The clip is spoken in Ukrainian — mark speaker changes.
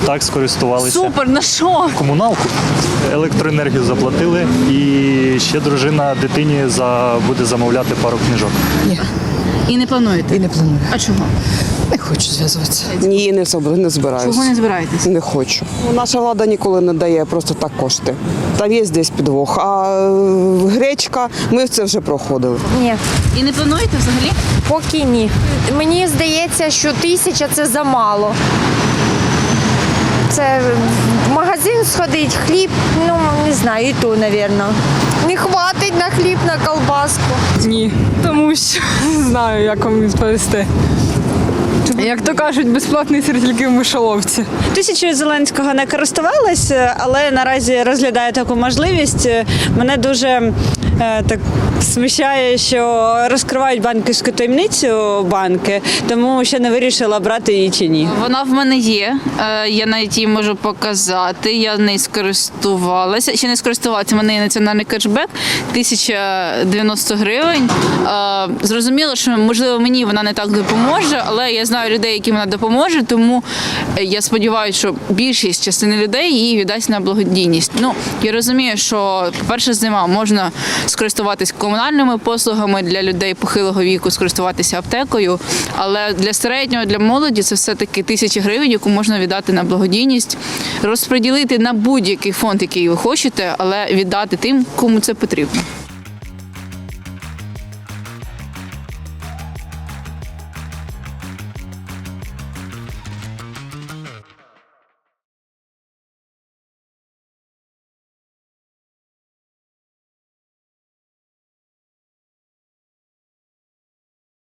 Speaker 1: Так, скористувалися.
Speaker 2: Супер, на що?
Speaker 1: Комуналку, електроенергію заплатили, і ще дружина дитині буде замовляти пару книжок.
Speaker 3: Ні,
Speaker 2: І не плануєте?
Speaker 3: і не планую.
Speaker 2: А чого?
Speaker 3: Не хочу зв'язуватися.
Speaker 4: Ні, не збираюся.
Speaker 2: Чого не збираєтесь?
Speaker 4: Не хочу. Наша влада ніколи не дає просто так кошти. Там є десь підвох. А гречка, ми це вже проходили.
Speaker 5: Ні,
Speaker 2: І не плануєте взагалі?
Speaker 5: поки ні. Мені здається, що 1000 – це замало. Це в магазин сходить, хліб, ну не знаю, і то, мабуть. Не хватить на хліб, на колбаску.
Speaker 6: Ні, тому що не знаю, як вам відповісти. Як то кажуть, безплатний сир тільки в мишоловці.
Speaker 7: Тисячою Зеленського не користувалась, але наразі розглядаю таку можливість. Мене дуже так смущає, що розкривають банківську таємницю банки, тому ще не вирішила, брати її чи ні.
Speaker 2: Вона в мене є, я навіть її можу показати, я нею скористувалася. Ще не скористувалася, в мене є національний кешбек, 1090 гривень. Зрозуміло, що, можливо, мені вона не так допоможе, але я знаю людей, яким вона допоможе, тому я сподіваюся, що більшість частини людей її віддасть на благодійність. Ну, я розумію, що, по-перше, зима, можна скористуватись комунальними послугами, для людей похилого віку скористуватися аптекою, але для середнього, для молоді це все-таки 1000 гривень, яку можна віддати на благодійність, розподілити на будь-який фонд, який ви хочете, але віддати тим, кому це потрібно.